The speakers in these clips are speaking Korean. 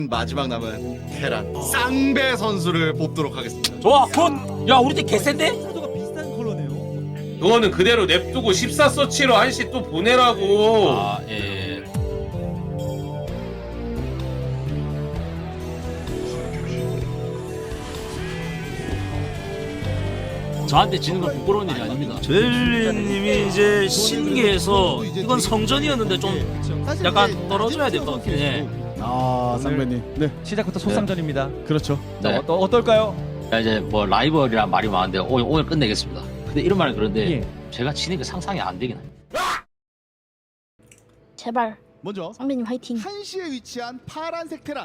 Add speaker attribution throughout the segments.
Speaker 1: 마지막 남은 테란 쌍배 선수를 뽑도록 하겠습니다.
Speaker 2: 좋아 굿! 야 우리 팀 개센데?
Speaker 3: 사도가 비슷한 컬러네요.
Speaker 4: 그거는 그대로 냅두고 14서치로 한시 또 보내라고.
Speaker 2: 아 예. 저한테 지는 건 부끄러운 일이 아닙니다. 젤리님이 이제 신기해서 이건 성전이었는데 좀 약간 떨어져야 될 것 같긴 해.
Speaker 3: 아 쌍배님. 네. 시작부터 소상전입니다. 그렇죠.
Speaker 2: 네.
Speaker 3: 자, 어떨까요?
Speaker 2: 이제 뭐 라이벌이란 말이 많은데 오늘 끝내겠습니다. 근데 이런 말은 그런데
Speaker 3: 예.
Speaker 2: 제가 치는 게 상상이 안 되긴 해.
Speaker 5: 제발
Speaker 6: 먼저
Speaker 5: 쌍배님 화이팅.
Speaker 6: 한시에 위치한 파란색 테란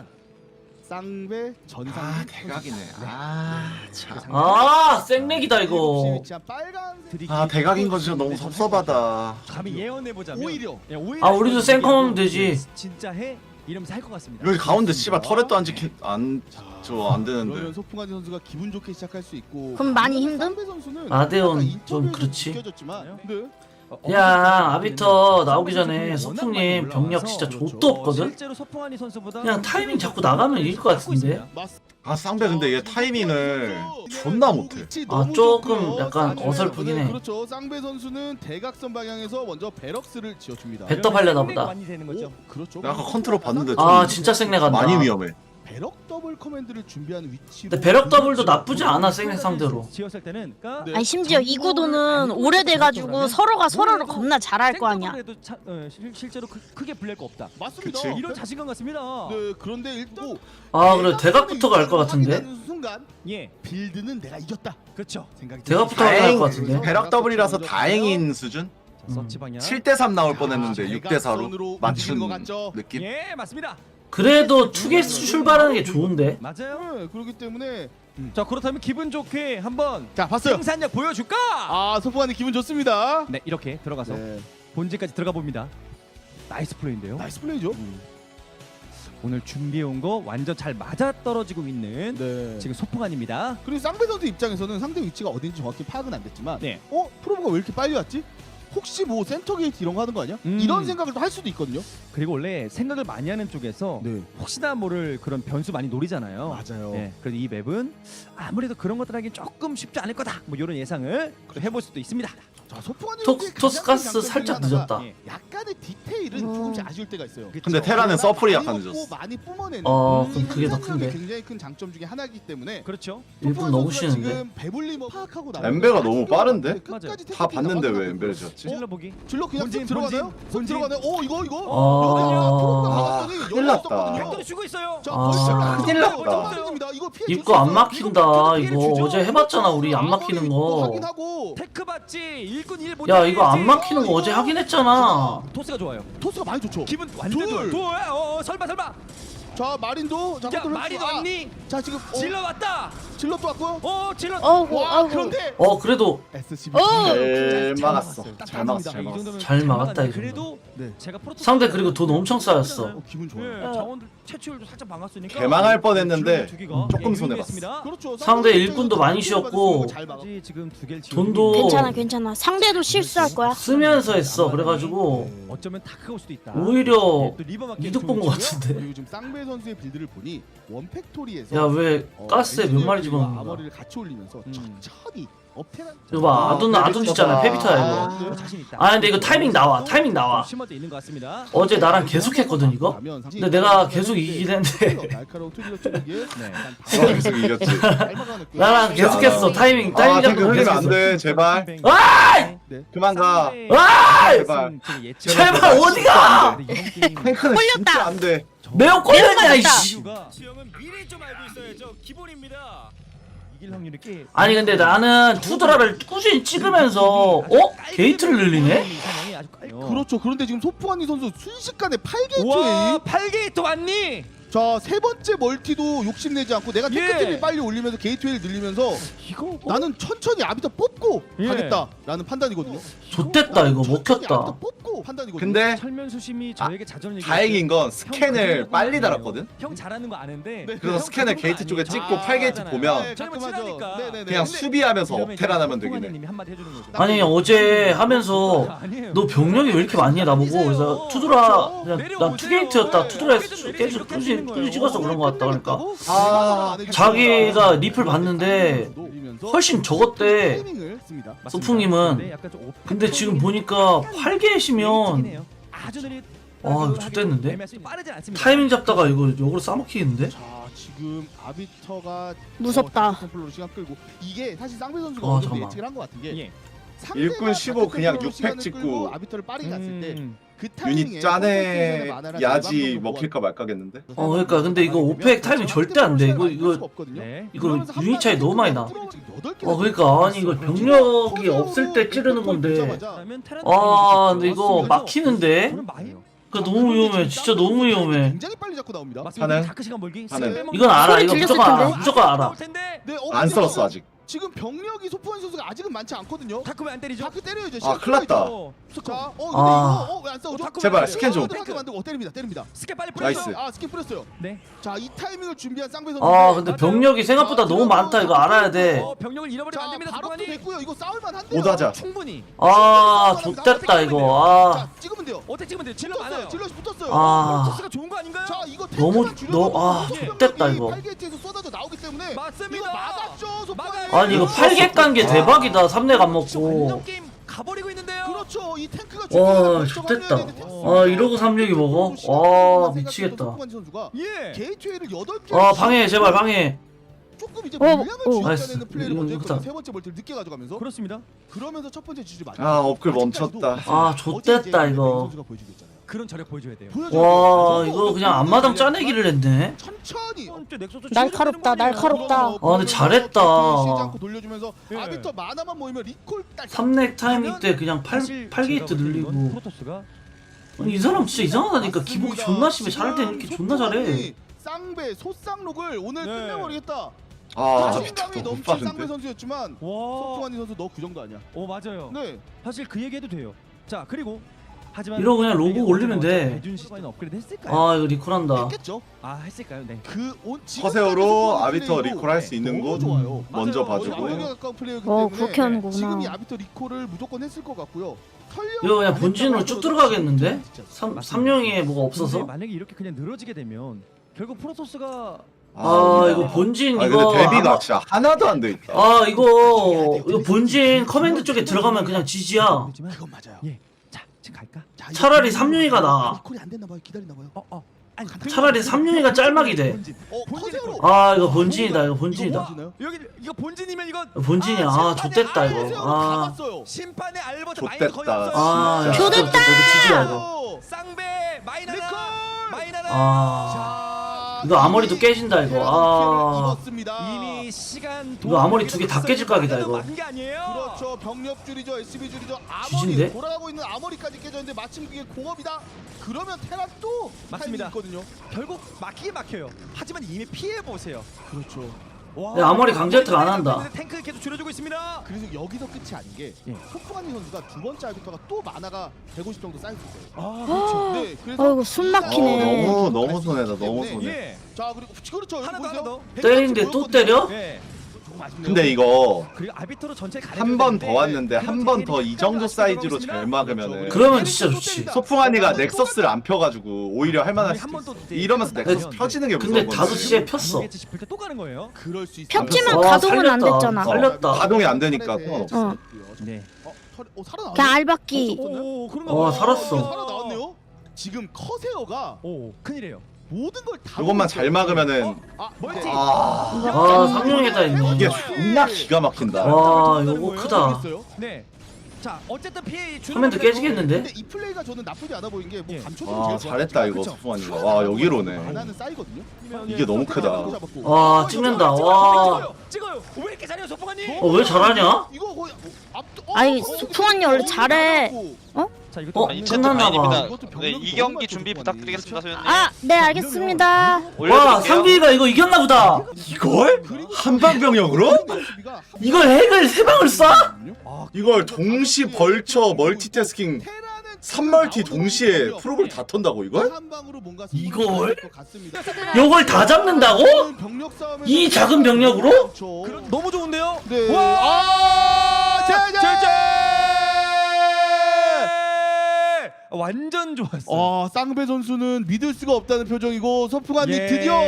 Speaker 6: 쌍배 전상.
Speaker 1: 아 대각이네. 아 참.
Speaker 2: 아 생맥이다 이거.
Speaker 6: 위치한 빨간색.
Speaker 1: 아 대각인 거 진짜 너무 섭섭하다.
Speaker 3: 감히 예언해 보자면
Speaker 6: 오히려.
Speaker 2: 아, 우리도 생컴하면 되지.
Speaker 3: 진짜 해 이러면서 할 것 같습니다.
Speaker 1: 여기 가운데 씨발 터렛도 안 지키 안 되는데.
Speaker 6: 그러면 소풍환 선수가 기분 좋게 시작할 수 있고.
Speaker 5: 그럼 많이 힘듦?
Speaker 6: 쌍배 선수는
Speaker 2: 아데온
Speaker 6: 아까
Speaker 2: 좀
Speaker 6: 인터뷰에서
Speaker 2: 그렇지.
Speaker 6: 느껴졌지만, 네.
Speaker 2: 야 아비터 나오기 전에 소풍님 병력 진짜 좆도 없거든?
Speaker 3: 실제로 소풍환이 선수보다
Speaker 2: 그냥 타이밍 자꾸 나가면 이길 것 같은데?
Speaker 1: 아 쌍배 근데 얘 타이밍을 존나 못해.
Speaker 2: 아, 조금 약간 어설프긴 해.
Speaker 6: 그렇죠. 쌍배 선수는 대각선 방향에서 먼저 베럭스를 지어줍니다.
Speaker 2: 배- 또 팔려나 보다.
Speaker 3: 많이 되는 거죠.
Speaker 6: 그렇죠.
Speaker 1: 아까 컨트롤 봤는데 좀
Speaker 2: 아 진짜 생내 간다.
Speaker 1: 많이 위험해.
Speaker 6: 배럭 더블 커맨드를 준비하는 위치로.
Speaker 2: 근데 배럭 더블도 나쁘지 않아 생내 상대로.
Speaker 3: 지었을 때는 그러니까
Speaker 6: 네.
Speaker 5: 아니 심지어 이 구도는 오래돼가지고 서로가 서로를 겁나 잘할 거 아니야.
Speaker 3: 생각으로 해도 실제로 크게 불릴 거 없다.
Speaker 6: 맞습니다.
Speaker 1: 그치.
Speaker 3: 이런 자신감 같습니다.
Speaker 6: 네, 그런데 일단
Speaker 2: 아 그래 대각부터 갈 것 같은데?
Speaker 6: 순간
Speaker 3: 예,
Speaker 6: 빌드는 내가 이겼다
Speaker 3: 그렇죠.
Speaker 6: 생각이
Speaker 2: 대각부터
Speaker 6: 듭니다.
Speaker 2: 갈것 같은데?
Speaker 1: 배락 더블이라서 다행인 수준?
Speaker 3: 자, 서치 방향.
Speaker 1: 7대3 나올 뻔했는데
Speaker 6: 자,
Speaker 1: 6대4로
Speaker 6: 대각선으로
Speaker 1: 맞춘
Speaker 6: 움직이는 것 같죠?
Speaker 1: 느낌?
Speaker 3: 예, 맞습니다.
Speaker 2: 그래도 투게스 출발하는 게 좋은데?
Speaker 3: 맞아요.
Speaker 6: 네, 그렇기 때문에
Speaker 3: 자, 그렇다면 기분 좋게 한번
Speaker 6: 자 봤어요.
Speaker 3: 생산력 보여줄까?
Speaker 6: 아 소풍환이 기분 좋습니다.
Speaker 3: 네, 이렇게 들어가서
Speaker 6: 네,
Speaker 3: 본진까지 들어가 봅니다. 나이스 플레이인데요.
Speaker 6: 나이스 플레이죠.
Speaker 3: 오늘 준비해온 거 완전 잘 맞아 떨어지고 있는
Speaker 6: 네.
Speaker 3: 지금 소풍안입니다.
Speaker 6: 그리고 쌍배 선수 입장에서는 상대 위치가 어딘지 정확히 파악은 안 됐지만,
Speaker 3: 네.
Speaker 6: 프로브가 왜 이렇게 빨리 왔지? 혹시 뭐 센터 게이트 이런 거 하는 거 아니야?
Speaker 3: 음.
Speaker 6: 이런 생각을 또 할 수도 있거든요.
Speaker 3: 그리고 원래 생각을 많이 하는 쪽에서
Speaker 6: 네,
Speaker 3: 혹시나 모를 그런 변수 많이 노리잖아요.
Speaker 6: 맞아요.
Speaker 3: 네, 그래서 이 맵은 아무래도 그런 것들 하긴 조금 쉽지 않을 거다. 뭐 이런 예상을 해볼 수도 있습니다.
Speaker 6: 자 소풍환이
Speaker 2: 토스가스 살짝 늦었다.
Speaker 3: 예.
Speaker 6: 약간의 디테일은 조금씩 아쉬울 때가 있어요.
Speaker 1: 근데 테라는 서플이 약간
Speaker 6: 많이 먹고
Speaker 1: 늦었어.
Speaker 6: 많이 뿜어내는
Speaker 2: 그럼 그게 더
Speaker 6: 생산력이
Speaker 2: 큰데?
Speaker 6: 굉장히 큰 장점 중에 하나이기 때문에
Speaker 3: 그렇죠.
Speaker 2: 일본 너무
Speaker 6: 선수가
Speaker 2: 쉬는데?
Speaker 6: 지금 배불리 파악하고 나오는
Speaker 1: 엠베가 너무 빠른데?
Speaker 6: 끝까지
Speaker 3: 맞아요.
Speaker 1: 다 봤는데 왜
Speaker 6: 나와서
Speaker 1: 엠베를 지었지?
Speaker 3: 찔러 보기.
Speaker 6: 질러 그냥
Speaker 3: 본진,
Speaker 6: 쓱 들어가나요?
Speaker 3: 본진.
Speaker 6: 쓱 들어가나요? 이거
Speaker 2: 아.
Speaker 1: 큰일 났다.
Speaker 3: 백도를 주고 있어요.
Speaker 1: 큰일 났다.
Speaker 2: 입구 안 막힌다 이거 어제 해봤잖아 우리 안 막히는 거.
Speaker 6: 확인하고
Speaker 3: 테크 받지. 일꾼 1
Speaker 2: 야 이거 안 막히는 거 어제 하긴 했잖아.
Speaker 3: 토스가 좋아요.
Speaker 6: 토스가 많이 좋죠.
Speaker 3: 기분 완전
Speaker 6: 둘.
Speaker 3: 좋아. 설마.
Speaker 6: 자 마린도 자
Speaker 3: 야,
Speaker 6: 컨트롤
Speaker 3: 말이
Speaker 6: 했어.
Speaker 3: 왔니?
Speaker 6: 자 지금
Speaker 3: 질러 왔다.
Speaker 6: 질럿도 왔고요.
Speaker 3: 질러.
Speaker 5: 어우
Speaker 6: 와
Speaker 5: 어우.
Speaker 6: 그런데
Speaker 2: 그래도
Speaker 6: SCB
Speaker 1: 잘 막았어.
Speaker 6: 딱
Speaker 1: 잘 막았어. 잘
Speaker 6: 이
Speaker 1: 막았어.
Speaker 6: 정도면
Speaker 2: 잘 막았다, 이거.
Speaker 3: 그래도
Speaker 6: 네.
Speaker 3: 제가 프로토스
Speaker 2: 상대 그리고 돈 엄청 쌓였어.
Speaker 6: 기분 좋아요.
Speaker 3: 예, 자원들 채취율도 살짝 막았으니까
Speaker 1: 개망할 뻔했는데
Speaker 3: 주기가
Speaker 1: 조금
Speaker 3: 예,
Speaker 1: 손해봤어.
Speaker 3: 유리했습니다.
Speaker 6: 그렇죠.
Speaker 2: 상대 일꾼도 많이 쉬었고
Speaker 6: 잘 막아.
Speaker 3: 아직 지금 두 개를
Speaker 2: 돈도
Speaker 5: 괜찮아 괜찮아. 상대도 실수할 거야.
Speaker 2: 쓰면서 했어. 그래가지고
Speaker 3: 어쩌면 다 크고 수도 있다.
Speaker 2: 오히려
Speaker 3: 예, 또 리버 맞기
Speaker 2: 이득 본 거 같은데.
Speaker 6: 그리고 지금 쌍배 선수의 빌드를 보니 원팩토리에서
Speaker 2: 야 왜 가스에 몇 마리 집어넣는 거야?
Speaker 6: 아머리를 같이 올리면서 천천히 업테란.
Speaker 2: 이거 봐 아둔 짓잖아. 페비터야 이거.
Speaker 3: 자신 있다.
Speaker 2: 아 근데 이거 타이밍 나와. 타이밍 나와.
Speaker 3: 심어져 있는 것 같습니다.
Speaker 2: 어제 나랑 계속 했거든 이거. 근데 내가 계속 이기긴 했는데
Speaker 6: 날카로운 투질러 쪽에
Speaker 3: 네.
Speaker 1: 계속 이겼지.
Speaker 2: 나랑 계속했어. 타이밍
Speaker 1: 아
Speaker 2: 잡고
Speaker 1: 탱크 흘리면
Speaker 2: 계속했어.
Speaker 1: 안돼 제발.
Speaker 2: 아이!
Speaker 1: 그만 가.
Speaker 2: 아이!
Speaker 1: 제발
Speaker 2: 어디가!
Speaker 1: 탱크는 진짜 안돼.
Speaker 2: 매우 꼴렸냐 이씨.
Speaker 3: 수영은 미리 좀 알고 있어야죠. 기본입니다. 이길 확률이 꽤.
Speaker 2: 아니 근데 나는 투드라를 꾸준히 찍으면서 게이트를 늘리네?
Speaker 6: 그렇죠. 그런데 지금 소프아니 선수 순식간에 8게이트
Speaker 3: 와,
Speaker 6: 웨이.
Speaker 3: 8게이트 왔니?
Speaker 6: 자, 세 번째 멀티도 욕심내지 않고 내가
Speaker 3: 예.
Speaker 6: 테크팀이 빨리 올리면서 게이트웨이를 늘리면서
Speaker 3: 이거
Speaker 6: 나는 천천히 아비터 뽑고
Speaker 3: 예.
Speaker 6: 가겠다라는 판단이거든요.
Speaker 2: 좋댔다 이거
Speaker 6: 천천히 아비터
Speaker 2: 먹혔다.
Speaker 6: 뽑고 최고 판단이거든요.
Speaker 1: 근데
Speaker 3: 철면 수심이 저에게 자전을
Speaker 1: 다행인 건 스캔을 빨리 달았거든.
Speaker 3: 형 잘하는 거 아는데.
Speaker 1: 그래서 스캔을 게이트 쪽에 찍고 8게이트 보면
Speaker 3: 가끔 하죠.
Speaker 1: 그냥 수비하면서 업테란 하면 되긴 해.
Speaker 3: 님이 한마디 해주는 거죠.
Speaker 2: 아니 어제 하면서
Speaker 3: 아니에요.
Speaker 2: 너 병력이 왜 이렇게 많니 나보고. 그래서 투드라 그냥 난 투게이트였다. 투드라에서 계속 꾸준히 찍어서 그런 거 같다. 그러니까
Speaker 1: 아,
Speaker 2: 자기가 리플 봤는데 훨씬 적었대. 소풍님은. 근데 지금 보니까 8개시면
Speaker 3: 아주 느릿.
Speaker 2: 아 이거 좋댔는데?
Speaker 3: 빠르진 않습니다.
Speaker 2: 타이밍 잡다가 이거 역으로 싸먹히는데?
Speaker 6: 자 지금 아비터가
Speaker 5: 무섭다.
Speaker 6: 컨트롤로 시간 끌고 이게 사실 쌍배 선수가
Speaker 2: 아,
Speaker 6: 어느 정도
Speaker 2: 잠깐만.
Speaker 6: 예측을 한 것 같은 게
Speaker 3: 예.
Speaker 1: 일꾼 15 그냥 6팩 찍고
Speaker 6: 아비터를 빠르게 갔을 때 그
Speaker 1: 유닛 짜내 야지 먹힐까 말까겠는데.
Speaker 2: 그러니까 근데 이거 5팩 타이밍 절대 안 돼. 이거
Speaker 3: 네.
Speaker 2: 이거 유닛 차이 너무 많이 나. 그러니까 아니 이거 병력이 없을 때 찌르는 건데. 아 근데 이거 막히는데? 그러니까 너무 위험해. 진짜 너무 위험해.
Speaker 6: 굉장히 빨리 잡고 나옵니다.
Speaker 1: 하는?
Speaker 3: 다크 시간 벌기.
Speaker 1: 하는?
Speaker 2: 이건 알아.
Speaker 5: 소리
Speaker 2: 이거
Speaker 5: 들렸을
Speaker 2: 무조건 알아.
Speaker 5: 텐데?
Speaker 2: 무조건 알아.
Speaker 6: 네,
Speaker 1: 안 썰었어 아직.
Speaker 6: 지금 병력이 소프한 선수가 아직은 많지 않거든요.
Speaker 3: 다크면 안 때리죠?
Speaker 6: 다크 때려야죠.
Speaker 1: 아, 큰일 났다.
Speaker 6: 자, 근데
Speaker 2: 아.
Speaker 6: 이거 왜안 싸우죠?
Speaker 1: 제발, 스캔 좀.
Speaker 6: 다크 만들고 때립니다.
Speaker 3: 스캔 빨리
Speaker 1: 나이스.
Speaker 3: 뿌려줘.
Speaker 6: 아, 스캔 뿌렸어요.
Speaker 3: 네.
Speaker 6: 자, 이 타이밍을 준비한 쌍배 선수.
Speaker 2: 아 근데 병력이 생각보다 너무 많다. 이거 알아야 돼.
Speaker 3: 병력을 잃어버리면 안
Speaker 6: 자,
Speaker 3: 됩니다.
Speaker 6: 바로 또
Speaker 3: 소관이.
Speaker 6: 됐고요. 이거 싸울만 한데요.
Speaker 1: 오다자.
Speaker 3: 충분히.
Speaker 2: 아 좆됐다 이거. 아.
Speaker 6: 자, 찍으면 돼요.
Speaker 3: 어떻게 찍으면 돼요? 질러 많아요.
Speaker 6: 붙었어요. 질럿이 붙었어요.
Speaker 2: 아.
Speaker 3: 토스가 좋은 거 아닌가요?
Speaker 6: 자, 이거
Speaker 2: 너무-
Speaker 6: 탱크만 줄여도
Speaker 2: 아, 좆됐다, 이거.
Speaker 6: 8게이트에서 쏟아져 나오기 때문에
Speaker 3: 맞습니다.
Speaker 6: 이거 막았죠. 소프안이.
Speaker 3: 막아요.
Speaker 2: 아니 이거 8개 깐 게 대박이다. 3넥 안
Speaker 3: 완전
Speaker 2: 먹고.
Speaker 3: 게임 가버리고 있는데요.
Speaker 6: 그렇죠. 이 탱크가
Speaker 2: 와 좆됐다. 아 이러고 3력이 먹어? 와 미치겠다.
Speaker 6: 소프안 선수가
Speaker 3: 예.
Speaker 6: 게이트웨이를 8개.
Speaker 2: 아 방해 제발 방해.
Speaker 6: 조금 이제
Speaker 5: 어,
Speaker 6: 물량을
Speaker 5: 어.
Speaker 2: 나이스.
Speaker 6: 주입하는 플레이를
Speaker 2: 이거
Speaker 6: 먼저
Speaker 2: 좋다.
Speaker 6: 했거든요. 세 번째 멀티를 늦게 가져가면서
Speaker 3: 그렇습니다.
Speaker 6: 그러면서 첫 번째 지지 맞아.
Speaker 1: 아 업글 멈췄다.
Speaker 2: 아 좆됐다 이거.
Speaker 6: 선수가 보여주고 있잖아요.
Speaker 3: 그런 저력 보여줘야 돼요.
Speaker 2: 와 이거 그냥 앞마당 짜내기를 했네.
Speaker 6: 천천히.
Speaker 5: 날카롭다, 날카롭다.
Speaker 2: 아, 근데 잘했다.
Speaker 6: 쉬지 않고 돌려주면서
Speaker 3: 예.
Speaker 6: 아비터 만화만 모이면 리콜 딸.
Speaker 2: 3넥 타이밍 때 그냥 8게이트 늘리고.
Speaker 3: 프로토스가
Speaker 2: 아니 이 사람 진짜 이상하다니까. 기복이 존나 심해. 잘할 땐 이렇게 존나 잘해.
Speaker 6: 쌍배 소쌍록을 오늘
Speaker 3: 네.
Speaker 6: 끝내버리겠다.
Speaker 1: 아
Speaker 6: 자신감이
Speaker 1: 너무
Speaker 6: 넘친 쌍배
Speaker 1: 빠른데.
Speaker 6: 선수였지만
Speaker 3: 와.
Speaker 6: 소프안이 선수 너 그 정도 아니야.
Speaker 3: 오 맞아요.
Speaker 6: 네.
Speaker 3: 사실 그 얘기해도 돼요. 자 그리고 하지만
Speaker 2: 이러고 그냥 로고 올리면 돼.
Speaker 3: 배준 시스템 업그레이드 했을까요?
Speaker 2: 아 이거 리콜한다.
Speaker 6: 했겠죠.
Speaker 3: 아 했을까요? 네.
Speaker 1: 커세어로 아비터 리콜할 수 있는
Speaker 6: 너무
Speaker 1: 곳
Speaker 6: 좋아요.
Speaker 1: 먼저
Speaker 3: 맞아요.
Speaker 6: 거의
Speaker 1: 봐주고.
Speaker 6: 완벽에 가까운 플레이였기
Speaker 5: 어,
Speaker 6: 때문에
Speaker 5: 그렇게 하는구나.
Speaker 6: 지금 이 아비터 리콜을 무조건 했을 것 같고요.
Speaker 2: 이거 그냥 본진으로 쭉 들어가겠는데? 3령에 뭐가
Speaker 3: 근데
Speaker 2: 없어서?
Speaker 3: 만약에 이렇게 그냥 늘어지게 되면 결국 프로토스가
Speaker 2: 아 이거 본진
Speaker 1: 아
Speaker 2: 이거
Speaker 1: 근데 데뷔가
Speaker 2: 아마-
Speaker 1: 진짜 하나도 안 돼 있다.
Speaker 2: 아 이거 본진 커맨드 쪽에 들어가면 그냥 지지야.
Speaker 6: 그건 맞아요.
Speaker 3: 예. 자 지금 갈까?
Speaker 6: 자,
Speaker 2: 차라리
Speaker 6: 이거
Speaker 2: 삼룡이가 나아.
Speaker 6: 리콜이 안 됐나 봐요. 기다리나 봐요.
Speaker 3: 아니
Speaker 2: 차라리 3령이가 짤막이 돼.
Speaker 6: 커세어로.
Speaker 2: 아 이거 본진이다 이거 본진이다.
Speaker 6: 보시나요?
Speaker 3: 여기 이거 본진이면 이거
Speaker 2: 본진이야. 아 좆됐다 이거. 아
Speaker 3: 심판의 알버트
Speaker 1: 좆됐다.
Speaker 3: 마이너 거의 없어요.
Speaker 2: 아,
Speaker 1: 진짜.
Speaker 2: 이거 지지야 이거.
Speaker 3: 쌍배 마이너나
Speaker 6: 리콜!
Speaker 3: 마이너나.
Speaker 2: 아
Speaker 6: 자,
Speaker 2: 이거 아머리도 깨진다 이거. 아
Speaker 6: 입었습니다.
Speaker 3: 이미 시간
Speaker 2: 이거 아머리 두개다 깨질 각이다, 이거.
Speaker 3: 맞은 게 아니에요.
Speaker 6: 그렇죠. 병력 줄이죠. SB 줄이죠.
Speaker 2: 지진데?
Speaker 6: 아머리 돌아가고 있는 아머리까지 깨졌는데 마침 그게 공업이다. 그러면 테란 또
Speaker 3: 맞습니다.
Speaker 6: 타이밍이 있거든요.
Speaker 3: 결국 막히게 막혀요. 하지만 이미 피해 보세요.
Speaker 6: 그렇죠.
Speaker 3: 와,
Speaker 2: 야, 아머리 강제 혜택 안 한다.
Speaker 3: 탱크 계속 줄여주고 있습니다.
Speaker 6: 그래서 여기서 끝이 아닌 게
Speaker 3: 예.
Speaker 6: 소프가니 선수가 두 번째 아비터가 또 만화가 150 정도 쌓였을 거예요.
Speaker 3: 아 그렇죠.
Speaker 6: 네, 그래서
Speaker 5: 아이고, 숨 막히네.
Speaker 1: 너무 손해다 너무 손해.
Speaker 3: 예.
Speaker 6: 자 그리고 그렇죠. 여기
Speaker 3: 하나 더,
Speaker 6: 보세요.
Speaker 3: 하나 더.
Speaker 2: 때리는데 또 때려?
Speaker 3: 예.
Speaker 1: 근데 이거
Speaker 3: 그리고 아비터로 전체
Speaker 1: 한 번 더 왔는데 한 번 더 이 정도 사이즈로 잘 막으면은
Speaker 2: 그러면 진짜 좋지.
Speaker 1: 소풍한이가 넥서스를 안 펴가지고 오히려 할만할 수도 있어. 이러면서 넥서스 펴지는 게
Speaker 2: 근데
Speaker 1: 무서운 건데.
Speaker 2: 5시에 폈어.
Speaker 3: 싶을 때 또 가는 거예요.
Speaker 6: 그럴 수 있어.
Speaker 5: 폈지만
Speaker 2: 와,
Speaker 5: 가동은 안
Speaker 2: 살렸다.
Speaker 5: 됐잖아.
Speaker 2: 살렸다.
Speaker 1: 가동이 안 되니까 상관없어.
Speaker 5: 어.
Speaker 3: 네.
Speaker 6: 살아나.
Speaker 5: 그냥 알바끼.
Speaker 3: 오 그런가
Speaker 2: 와,
Speaker 3: 봐요.
Speaker 2: 살았어.
Speaker 6: 살아나왔네요. 지금 커세어가
Speaker 3: 오 큰일이에요.
Speaker 6: 모든 걸 다.
Speaker 1: 그것만 잘 막으면은
Speaker 3: 멀티.
Speaker 1: 아
Speaker 2: 삼룡에다 있네.
Speaker 1: 이게 존나 기가 막힌다.
Speaker 2: 와 이거 크다.
Speaker 3: 네. 자 어쨌든 피해 주는
Speaker 2: 커맨드
Speaker 3: 건데도
Speaker 2: 깨지겠는데?
Speaker 6: 근데 이 플레이가 저는 나쁘지 않아 보인 게뭐
Speaker 3: 예.
Speaker 6: 감초도
Speaker 1: 와 잘했다 이거 소풍한이가. 와 여기로네.
Speaker 6: 만화는 쌓이거든요.
Speaker 1: 이게 너무 크다.
Speaker 2: 와 찍는다. 와.
Speaker 3: 찍어요. 왜 이렇게 잘해요 소풍아님?
Speaker 2: 왜 잘하냐?
Speaker 6: 이거 거의
Speaker 5: 아니, 소풍한이 원래 잘해.
Speaker 3: 자 이것도
Speaker 2: 어,
Speaker 3: 맞는
Speaker 7: 이채트
Speaker 2: 끝났나 봐.
Speaker 7: 마인입니다. 네, 이 경기 준비 부탁드리겠습니다, 소연님.
Speaker 5: 아, 네, 알겠습니다.
Speaker 2: 와
Speaker 7: 올려드릴게요.
Speaker 2: 상비가 이거 이겼나 보다.
Speaker 1: 이걸? 한방병력으로?
Speaker 2: 이걸 핵을 3방을 쏴?
Speaker 1: 이걸 동시 벌처 멀티태스킹 3멀티 동시에 프로볼 다 턴다고 이걸?
Speaker 6: 한 방으로 뭔가
Speaker 2: 이걸?
Speaker 6: 것 같습니다.
Speaker 2: 요걸 다 잡는다고?
Speaker 6: 병력 싸움에서
Speaker 2: 이 작은 병력으로?
Speaker 3: 너무 좋은데요?
Speaker 6: 네.
Speaker 3: 와!
Speaker 6: 제재!
Speaker 3: 완전 좋았어.
Speaker 6: 쌍배 선수는 믿을 수가 없다는 표정이고 소풍한이
Speaker 3: 예.
Speaker 6: 드디어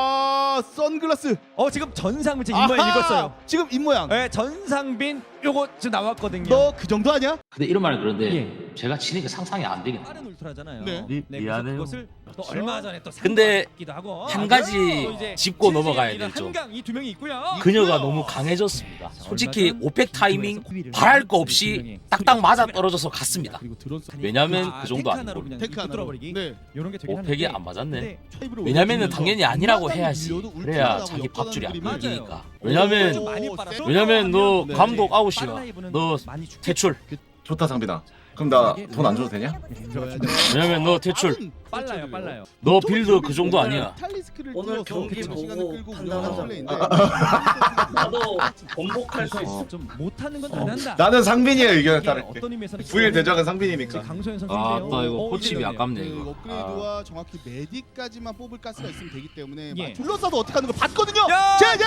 Speaker 6: 선글라스.
Speaker 3: 지금 전상빈 제 입모양
Speaker 6: 아하!
Speaker 3: 읽었어요.
Speaker 6: 지금 입모양.
Speaker 3: 네, 전상빈 요거 지금 나왔거든요.
Speaker 6: 너 그 정도 아니야?
Speaker 8: 근데 이런 말은 그런데
Speaker 3: 예.
Speaker 8: 제가 치는 게 상상이 안 되긴 해요.
Speaker 3: 빠른 울트라잖아요.
Speaker 6: 네.
Speaker 2: 미안해요.
Speaker 3: 그것을 또 얼마 전에 또
Speaker 9: 근데
Speaker 3: 기도 하고
Speaker 9: 한 가지
Speaker 3: 또 이제
Speaker 9: 짚고 넘어가야 될 점.
Speaker 3: 한강 이 두 명이 있고요.
Speaker 9: 그녀가 너무 강해졌습니다. 솔직히 오펙 타이밍 바랄 거 없이 딱딱 맞아 떨어져서 갔습니다.
Speaker 6: 그리고 드론
Speaker 9: 왜냐면 그 정도
Speaker 3: 탱크 하나로
Speaker 9: 아니고
Speaker 3: 그냥
Speaker 6: 탱크 하나로.
Speaker 3: 뚫어버리기.
Speaker 6: 네.
Speaker 3: 이런 게 되긴
Speaker 9: 오펙이
Speaker 3: 하는데
Speaker 9: 안 맞았네.
Speaker 3: 근데
Speaker 9: 왜냐면은 당연히 아니라고 해야지. 그래야 자기 밥줄이 안
Speaker 3: 맞아요.
Speaker 9: 끊기니까.
Speaker 3: 좀
Speaker 9: 왜냐면
Speaker 3: 많이 빨아서
Speaker 9: 너
Speaker 6: 네.
Speaker 9: 감독 아웃이야.
Speaker 3: 빨라이브는
Speaker 9: 너
Speaker 3: 많이 죽-
Speaker 9: 퇴출.
Speaker 1: 좋다 상빈아. 그럼 나 돈 안 줘도 되냐?
Speaker 9: 왜냐면 너 퇴출.
Speaker 3: 빨라요.
Speaker 9: 너 빌드 그 정도 아니야.
Speaker 2: 오늘 경기 보고 판단하자.
Speaker 6: 판단하자.
Speaker 2: 나도 번복할 수 있어.
Speaker 3: 좀 못하는 건 잘한다.
Speaker 1: 나는 상빈이의 의견에
Speaker 3: 이게
Speaker 1: 따를게.
Speaker 3: 어떤 의미에서는
Speaker 1: 9일 대적은 상빈이니까.
Speaker 3: 강소연 선수인데요.
Speaker 9: 나 이거 코칩이 아깝네
Speaker 6: 그
Speaker 9: 이거.
Speaker 6: 업그레이드와 정확히 메디까지만 뽑을 가스가 있으면 되기 때문에
Speaker 3: 예.
Speaker 6: 둘러싸도 어떻게 하는 걸 봤거든요.
Speaker 3: 야!
Speaker 6: 제재!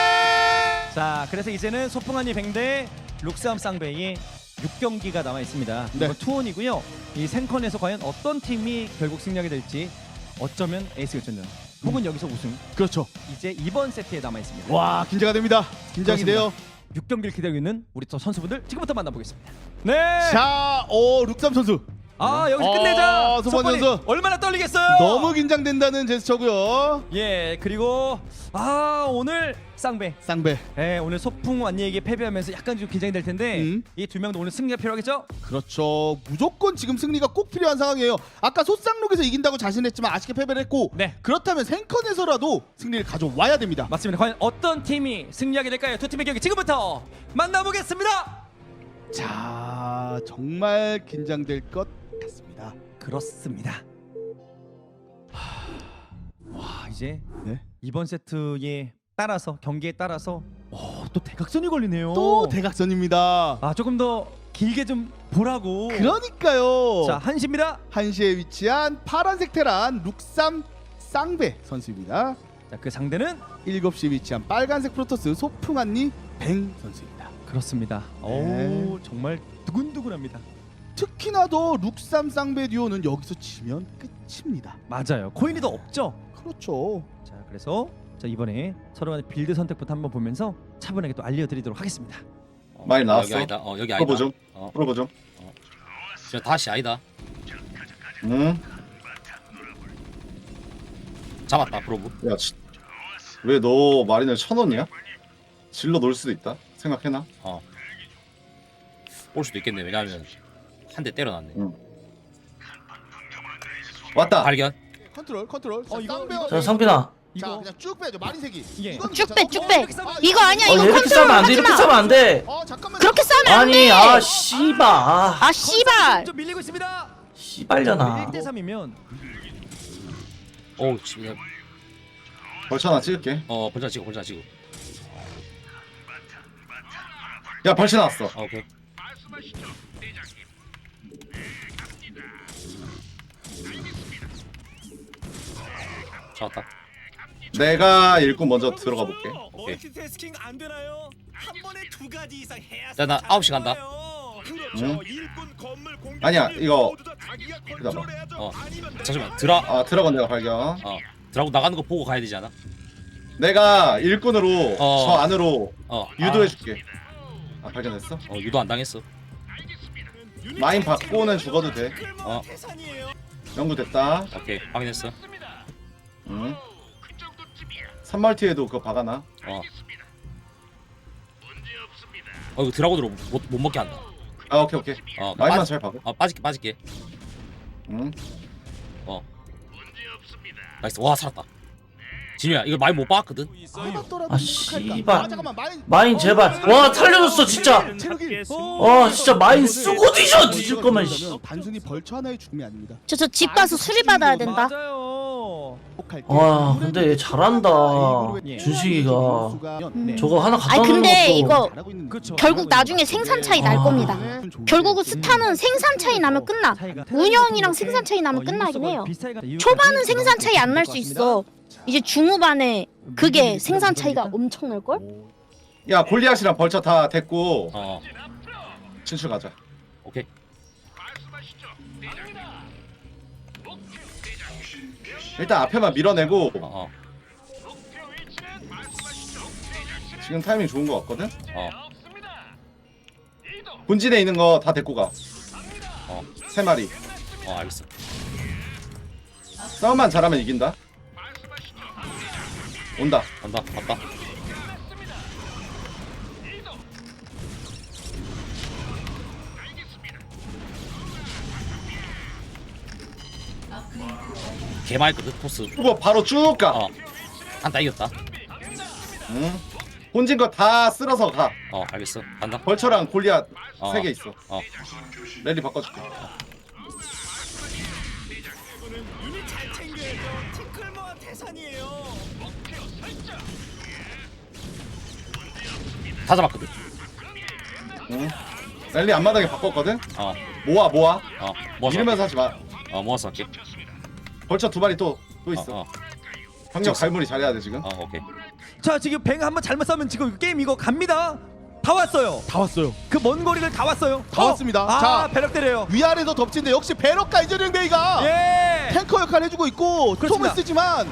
Speaker 3: 자, 그래서 이제는 소풍한이 뱅대 룩삼 쌍배의 6경기가 남아 있습니다.
Speaker 6: 네.
Speaker 3: 이건 투혼이고요. 이 생컨에서 과연 어떤 팀이 결국 승리하게 될지 어쩌면 에이스 결전전 혹은 여기서 우승.
Speaker 6: 그렇죠.
Speaker 3: 이제 이번 세트에 남아 있습니다.
Speaker 6: 와 긴장이 됩니다. 긴장이 돼요.
Speaker 3: 6경기를 기다리고 있는 우리 또 선수분들 지금부터 만나보겠습니다. 네.
Speaker 6: 자, 룩삼 선수
Speaker 3: 여기서 끝내자.
Speaker 6: 소번
Speaker 3: 소번이
Speaker 6: 선수.
Speaker 3: 얼마나 떨리겠어요.
Speaker 6: 너무 긴장된다는 제스처고요.
Speaker 3: 예, 그리고 오늘 쌍배.
Speaker 6: 쌍배.
Speaker 3: 오늘 소풍 완니에게 패배하면서 약간 좀 긴장이 될 텐데 이 두 명도 오늘 승리가 필요하겠죠?
Speaker 6: 그렇죠. 무조건 지금 승리가 꼭 필요한 상황이에요. 아까 소쌍록에서 이긴다고 자신했지만 아쉽게 패배를 했고
Speaker 3: 네.
Speaker 6: 그렇다면 생컨에서라도 승리를 가져와야 됩니다.
Speaker 3: 맞습니다. 과연 어떤 팀이 승리하게 될까요? 두 팀의 경기 지금부터 만나보겠습니다.
Speaker 6: 자, 정말 긴장될 것 같습니다.
Speaker 3: 그렇습니다. 와, 이제
Speaker 6: 네.
Speaker 3: 이번 세트에 따라서 경기에 따라서 또 대각선이 걸리네요.
Speaker 6: 또 대각선입니다.
Speaker 3: 조금 더 길게 좀 보라고.
Speaker 6: 그러니까요.
Speaker 3: 자, 한시입니다.
Speaker 6: 한시에 위치한 파란색 테란 룩삼 쌍배 선수입니다.
Speaker 3: 자, 그 상대는
Speaker 6: 7시에 위치한 빨간색 프로토스 소풍한니 뱅 선수입니다.
Speaker 3: 그렇습니다.
Speaker 6: 네.
Speaker 3: 정말 두근두근합니다.
Speaker 6: 특히나 더 룩삼 쌍배 듀오는 여기서 지면 끝입니다.
Speaker 3: 맞아요. 코인이 더 없죠.
Speaker 6: 그렇죠.
Speaker 3: 자, 그래서 이번에 서로 간의 빌드 선택부터 한번 보면서 차분하게 또 알려드리도록 하겠습니다.
Speaker 1: 많이 나왔어.
Speaker 9: 여기 아니다. 여기 아니다.
Speaker 1: 프로보 좀.
Speaker 9: 어.
Speaker 1: 프로보 좀.
Speaker 9: 진짜 다시 아니다.
Speaker 1: 응.
Speaker 9: 잡았다 프로브.
Speaker 1: 야, 왜 너 마린을 쳐놓냐? 질러 놓을 수도 있다. 생각해놔.
Speaker 9: 올 수도 있겠네. 왜냐면 한 대 때려놨네.
Speaker 1: 응. 왔다.
Speaker 9: 발견.
Speaker 6: 컨트롤. 자,
Speaker 3: 이거-
Speaker 6: 쌍배와
Speaker 2: 자 상빈아.
Speaker 6: 자,
Speaker 3: 이거
Speaker 6: 그냥 쭉 빼죠. 마린색이.
Speaker 3: 예.
Speaker 6: 이건
Speaker 5: 쭉
Speaker 6: 괜찮아.
Speaker 5: 빼, 쭉 빼.
Speaker 6: 아,
Speaker 5: 이거 아니야. 이거
Speaker 2: 이렇게
Speaker 5: 컨트롤
Speaker 2: 싸면 안 돼.
Speaker 5: 하지
Speaker 2: 이렇게
Speaker 5: 마.
Speaker 2: 싸면 안 돼.
Speaker 6: 잠깐만.
Speaker 5: 그렇게 싸면 안
Speaker 2: 아니
Speaker 5: 돼.
Speaker 2: 씨발.
Speaker 5: 씨발.
Speaker 3: 좀 밀리고 있습니다.
Speaker 2: 씨발려나.
Speaker 3: 1대 3이면
Speaker 9: 어우 지금
Speaker 1: 벌쳐 하나 찍을게.
Speaker 9: 벌자 찍어.
Speaker 1: 야, 벌쳐 나왔어.
Speaker 9: 오케이. 잡았다.
Speaker 1: 내가 일꾼 먼저 들어가 볼게.
Speaker 9: 오케이.
Speaker 10: 멀티태스킹 안 되나요? 한 번에 두 가지 이상 해야.
Speaker 9: 자, 나 9시 간다.
Speaker 10: 그렇죠.
Speaker 1: 응?
Speaker 10: 일꾼 건물 공격.
Speaker 1: 아니야, 이거
Speaker 10: 모두 다 자기가
Speaker 1: 기다려봐.
Speaker 10: 컨트롤해야죠. 아니면
Speaker 9: 잠시만.
Speaker 1: 드라곤 내가 발견.
Speaker 9: 드라고 나가는 거 보고 가야 되지 않아?
Speaker 1: 내가 일꾼으로
Speaker 9: 어.
Speaker 1: 저 안으로 유도해줄게. 발견했어?
Speaker 9: 유도 안 당했어.
Speaker 1: 마인 받고는 죽어도 돼.
Speaker 9: 어.
Speaker 1: 연구됐다.
Speaker 9: 오케이. 확인했어.
Speaker 1: 응. 3멀티에도 그거 박아놔.
Speaker 9: 이거 드라곤으로 못 먹게 한다.
Speaker 1: 아, 오케이. 마인만 잘 박아.
Speaker 9: 빠질게.
Speaker 1: 응.
Speaker 9: 나이스. 와 살았다. 진우야 이거 많이 못 박았거든.
Speaker 2: 아 씨발.
Speaker 6: 잠깐만.
Speaker 2: 마인 제발. 와 살려줬어 진짜.
Speaker 6: 체력이.
Speaker 2: 진짜 마인 쓰고 뒤질 거면 씨.
Speaker 6: 단순히 벌처 하나의 죽음이 아닙니다.
Speaker 5: 저 집 가서 수리 받아야 된다.
Speaker 3: 맞아요.
Speaker 6: 회복할 때
Speaker 2: 아 근데 얘 잘한다
Speaker 3: 예.
Speaker 2: 준식이가.
Speaker 3: 네.
Speaker 2: 저거 하나 갖다
Speaker 5: 아니
Speaker 2: 놓는
Speaker 5: 근데
Speaker 2: 것도
Speaker 5: 이거
Speaker 3: 그렇죠.
Speaker 5: 결국 나중에 생산 차이 날
Speaker 2: 아.
Speaker 5: 겁니다.
Speaker 6: 네.
Speaker 5: 결국은 스타는 생산 차이 나면 끝나. 운영이랑 생산 차이 나면 끝나긴 해요. 초반은 생산 차이 안 날 수 있어. 이제 중후반에 그게 생산 차이가 엄청 날 걸?
Speaker 1: 야 골리앗이랑 벌처 다 됐고
Speaker 9: 어
Speaker 1: 진출 가자.
Speaker 9: 오케이.
Speaker 1: 일단 앞에만 밀어내고
Speaker 9: 어
Speaker 1: 지금 타이밍 좋은 거 같거든.
Speaker 9: 어.
Speaker 1: 본진에 있는 거 다 데리고 가.
Speaker 9: 어.
Speaker 1: 3마리.
Speaker 9: 알겠어.
Speaker 1: 싸움만 잘하면 이긴다. 온다.
Speaker 9: 간다. 갔다. 개말거든 토스.
Speaker 1: 후보 바로 쭉 가.
Speaker 9: 한타 이겼다.
Speaker 1: 응. 본진 거 다 쓸어서 가.
Speaker 9: 알겠어. 간다.
Speaker 1: 벌처랑 골리앗
Speaker 9: 어.
Speaker 1: 3개 있어. 랠리 바꿔줄게.
Speaker 10: 이미 잘 챙겨야죠. 티클모아 대산이에요.
Speaker 9: 다 잡았거든.
Speaker 1: 응. 랠리 앞마당에 바꿨거든.
Speaker 9: 어
Speaker 1: 모아.
Speaker 9: 모아서
Speaker 1: 이러면서 하지 마.
Speaker 9: 할게. 모아서 할게.
Speaker 1: 벌처 2마리 또 있어. 병력 갈무리 잘해야 돼 지금.
Speaker 9: 오케이.
Speaker 3: 자 지금 뱅 한번 잘못 싸면 지금 게임 이거 갑니다. 다 왔어요.
Speaker 6: 다 왔어요.
Speaker 3: 그 먼 거리를 다 왔어요.
Speaker 6: 다 왔습니다.
Speaker 3: 아
Speaker 6: 자.
Speaker 3: 배럭 때려요.
Speaker 6: 위아래서 덮친데 역시 베럭과 이재령 베이가
Speaker 3: 예.
Speaker 6: 탱커 역할 해주고 있고
Speaker 3: 그렇습니다.
Speaker 6: 톰을 쓰지만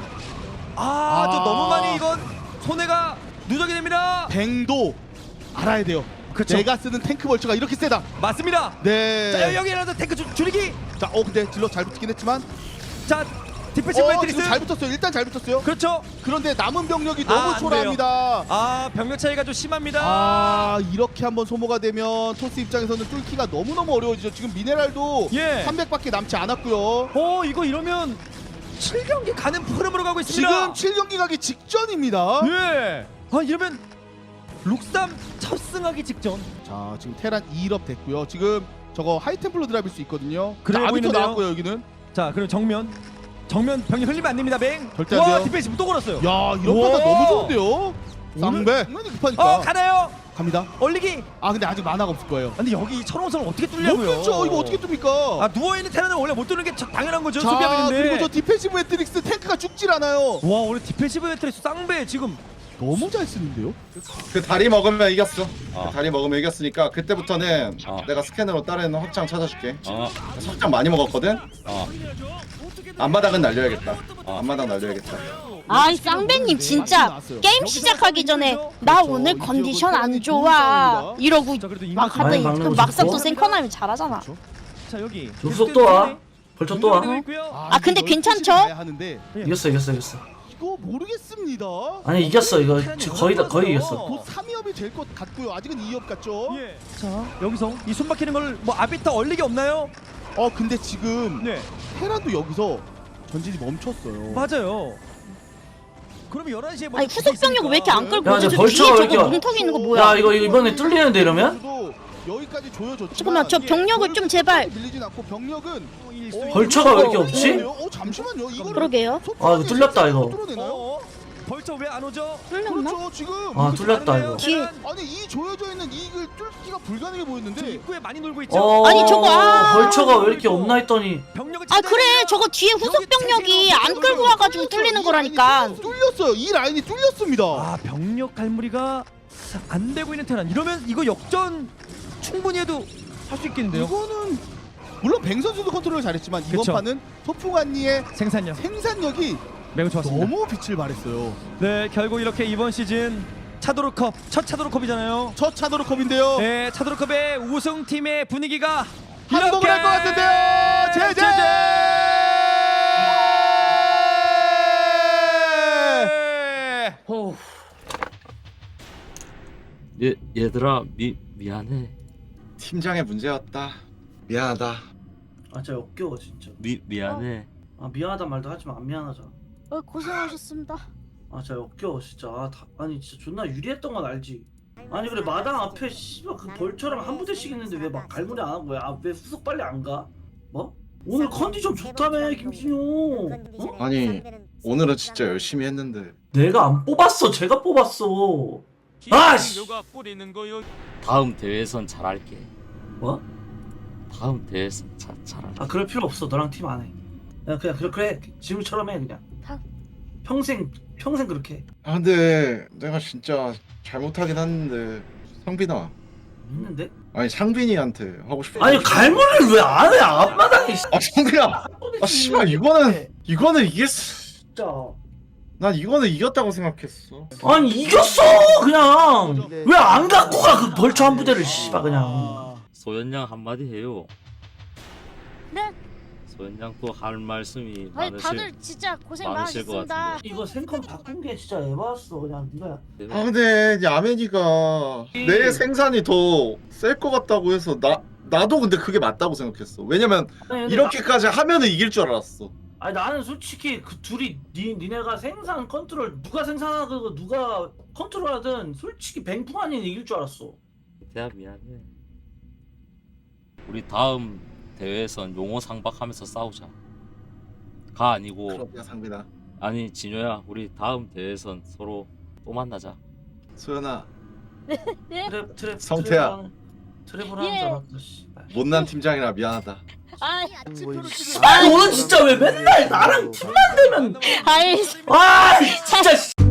Speaker 3: 저 너무 많이 이건 손해가 누적이 됩니다.
Speaker 6: 뱅도 알아야 돼요.
Speaker 3: 그쵸.
Speaker 6: 내가 쓰는 탱크 벌처가 이렇게 세다.
Speaker 3: 맞습니다.
Speaker 6: 네.
Speaker 3: 자 여기라도 탱크 줄이기.
Speaker 6: 자, 근데 질러 잘 붙긴 했지만
Speaker 3: 자 디펜시브 매트리스.
Speaker 6: 지금 잘 붙었어요. 일단 잘 붙었어요.
Speaker 3: 그렇죠.
Speaker 6: 그런데 남은 병력이
Speaker 3: 아,
Speaker 6: 너무
Speaker 3: 안
Speaker 6: 초라합니다.
Speaker 3: 병력 차이가 좀 심합니다.
Speaker 6: 이렇게 한번 소모가 되면 토스 입장에서는 뚫기가 너무너무 어려워지죠. 지금 미네랄도
Speaker 3: 예.
Speaker 6: 300밖에 남지 않았고요.
Speaker 3: 이거 이러면 7경기 가는 흐름으로 가고 있습니다.
Speaker 6: 지금 7경기 가기 직전입니다.
Speaker 3: 예. 이러면 룩삼 첫 승하기 직전.
Speaker 6: 자, 지금 테란 2업 됐고요. 지금 저거 하이템플러 드랍일 수 있거든요.
Speaker 3: 그래
Speaker 6: 자, 아비터
Speaker 3: 보이는데요?
Speaker 6: 나왔고요, 여기는.
Speaker 3: 자 그럼 정면 병력 흘리면 안 됩니다. 뱅.
Speaker 6: 절대 안 돼요.
Speaker 3: 디펜시브 또 걸었어요.
Speaker 6: 야, 이런
Speaker 3: 우와.
Speaker 6: 판단 너무 좋은데요. 쌍배. 당연히 급하니까.
Speaker 3: 가나요?
Speaker 6: 갑니다.
Speaker 3: 얼리기.
Speaker 6: 근데 아직 만화가 없을 거예요.
Speaker 3: 근데 여기 철옹선을 어떻게
Speaker 6: 못
Speaker 3: 뚫냐고요?
Speaker 6: 뚫죠. 이거 어떻게 뚫습니까?
Speaker 3: 누워있는 테란은 원래 못 뚫는 게 당연한 거죠.
Speaker 6: 자,
Speaker 3: 수비하는데.
Speaker 6: 그리고 저 디펜시브 매트릭스 탱크가 죽질 않아요.
Speaker 3: 와 오늘 디펜시브 매트리스 쌍배 지금
Speaker 6: 너무 잘 쓰는데요.
Speaker 1: 그 다리 먹으면 이겼어. 그 다리 먹으면 이겼으니까 그때부터는 내가 스캐너로 다른 확장 찾아줄게. 확장 많이 먹었거든. 앞마당은 날려야겠다. 앞마당 날려야겠다.
Speaker 5: 아이 쌍배님 진짜 게임 시작하기 전에 나 오늘 컨디션 안 좋아 이러고
Speaker 3: 자 그래도
Speaker 5: 막 하더니
Speaker 2: 막는
Speaker 5: 그
Speaker 2: 거
Speaker 5: 막상 또
Speaker 2: 좋고.
Speaker 5: 생커나면 잘하잖아.
Speaker 3: 자 여기
Speaker 2: 족속 또 와. 벌써 또 와.
Speaker 5: 근데 괜찮죠?
Speaker 6: 하는데
Speaker 2: 이겼어.
Speaker 6: 이거 모르겠습니다.
Speaker 2: 아니 이겼어 이거 지금 거의 이겼어.
Speaker 6: 곧 3위업이 될 것 같고요. 아직은 2위업 같죠?
Speaker 3: 예. 자 여기서 이 숨막히는 걸 뭐 아비터 얼리기 없나요?
Speaker 6: 근데 지금
Speaker 3: 네
Speaker 6: 테란도 여기서 전진이 멈췄어요.
Speaker 3: 맞아요. 그럼 11시에 뭐
Speaker 5: 아니 후속 병력 왜 이렇게 안 끌고
Speaker 2: 야,
Speaker 5: 오지?
Speaker 2: 저
Speaker 5: 저
Speaker 2: 벌처가
Speaker 5: 뒤에
Speaker 2: 왜
Speaker 5: 저거
Speaker 2: 이렇게
Speaker 5: 뭉텅이 있는 거 뭐야?
Speaker 2: 야 이거 이번에 뚫리는데 이러면?
Speaker 6: 저도 여기까지 조여줬지만
Speaker 5: 잠깐만 저 병력을 좀 제발.
Speaker 6: 밀리진 않고 병력은
Speaker 2: 벌처가 왜 이렇게 없지?
Speaker 6: 잠시만요. 이거
Speaker 5: 그러게요.
Speaker 2: 이거 뚫렸다 이거.
Speaker 6: 뚫어내나요?
Speaker 3: 벌써 왜 안 오죠?
Speaker 5: 뚫렸나?
Speaker 6: 그렇죠. 지금
Speaker 2: 뚫렸다 이거.
Speaker 5: 뒤에.
Speaker 6: 아니 이 조여져 있는 이걸 뚫기가 불가능해
Speaker 3: 저
Speaker 6: 보였는데
Speaker 3: 입구에 많이 놀고 있죠.
Speaker 5: 아니, 저거,
Speaker 2: 벌처가 왜 이렇게 없나 했더니
Speaker 3: 병력을
Speaker 5: 그래 저거 뒤에 후속 병력이 안 끌고 와가지고 뚫리는 거라니까.
Speaker 6: 뚫렸어요. 이 라인이 뚫렸습니다.
Speaker 3: 병력 갈무리가 안 되고 있는 테란. 이러면 이거 역전 충분히 해도 할 수 있겠는데요.
Speaker 6: 이거는 물론 뱅 선수도 컨트롤을 잘했지만 이번
Speaker 3: 그쵸.
Speaker 6: 판은 소풍한니의
Speaker 3: 생산력
Speaker 6: 생산력이
Speaker 3: 매우 좋았습니다.
Speaker 6: 너무 빛을 발했어요.
Speaker 3: 네, 결국 이렇게 이번 시즌 차도르컵 첫 차도르컵이잖아요.
Speaker 6: 첫 차도르컵인데요.
Speaker 3: 네, 차도르컵의 우승팀의 분위기가
Speaker 6: 한복을 할 것 같은데요. 제제.
Speaker 9: 얘들아 미안해.
Speaker 1: 팀장의 문제였다. 미안하다.
Speaker 2: 아 진짜 역겨워 진짜.
Speaker 9: 미안해.
Speaker 2: 미안하단 말도 하지만 안 미안하잖아.
Speaker 5: 고생하셨습니다.
Speaker 2: 진짜 역겨워 진짜. 아니 진짜 존나 유리했던 건 알지. 아니 그래 마당 앞에 씨발 그 벌처랑 한 부대씩 있는데 왜 막 갈무리 안 한 거야? 왜 후속 빨리 안 가? 뭐? 오늘 컨디션 좋다며 김신용.
Speaker 1: 아니 오늘은 진짜 열심히 했는데.
Speaker 2: 내가 안 뽑았어. 제가 뽑았어. 아씨.
Speaker 9: 다음 대회에선 잘할게.
Speaker 2: 뭐?
Speaker 9: 다음 대회에선 잘할게.
Speaker 2: 아 그럴 필요 없어. 너랑 팀 안 해. 그냥 그래. 지금처럼 해 그냥. 평생 그렇게 해.
Speaker 1: 아 근데 내가 진짜 잘못하긴 했는데 상빈아.
Speaker 2: 했는데?
Speaker 1: 아니 상빈이한테 하고 싶어.
Speaker 2: 아니 갈무리를 왜 안 해? 앞마당에.
Speaker 1: 아 상빈아. 아 씨발 이거는 이겼어.
Speaker 2: 진짜.
Speaker 1: 난 이거는 이겼다고 생각했어.
Speaker 2: 아니 이겼어 그냥. 왜 안 갖고 가 그 벌처 한 부대를 씨발 그냥.
Speaker 9: 소연양 한마디 해요.
Speaker 5: 네?
Speaker 9: 소연양 또 할 말씀이
Speaker 5: 아니
Speaker 9: 많으실.
Speaker 5: 다들 진짜 고생
Speaker 9: 많으실 것
Speaker 5: 많으셨습니다.
Speaker 9: 같은데.
Speaker 2: 이거 생컴 바꾼 게 진짜 에바였어 그냥 네가.
Speaker 1: 아 근데 이제 아메니가 내 생산이 더 셀 것 같다고 해서 나도 근데 그게 맞다고 생각했어. 왜냐면
Speaker 2: 아니, 근데
Speaker 1: 이렇게까지 하면은 이길 줄 알았어.
Speaker 2: 아니 나는 솔직히 그 둘이 니네가 생산 컨트롤 누가 생산하고 누가 컨트롤하든 솔직히 뱅풍 아닌 이길 줄 알았어.
Speaker 9: 대야 미안해. 우리 다음 대회에선 용어 상박하면서 싸우자. 가 아니고
Speaker 1: 그렇냐 상빈아.
Speaker 9: 아니 진효야 우리 다음 대회에선 서로 또 만나자.
Speaker 1: 소연아
Speaker 2: 트랩
Speaker 1: 성태야.
Speaker 2: 트랩을 하는 줄 알았어 씨발.
Speaker 1: 못난 팀장이라 미안하다.
Speaker 2: 아니 너는 진짜 왜 맨날 나랑 팀만 되면
Speaker 5: 아이
Speaker 2: 아 진짜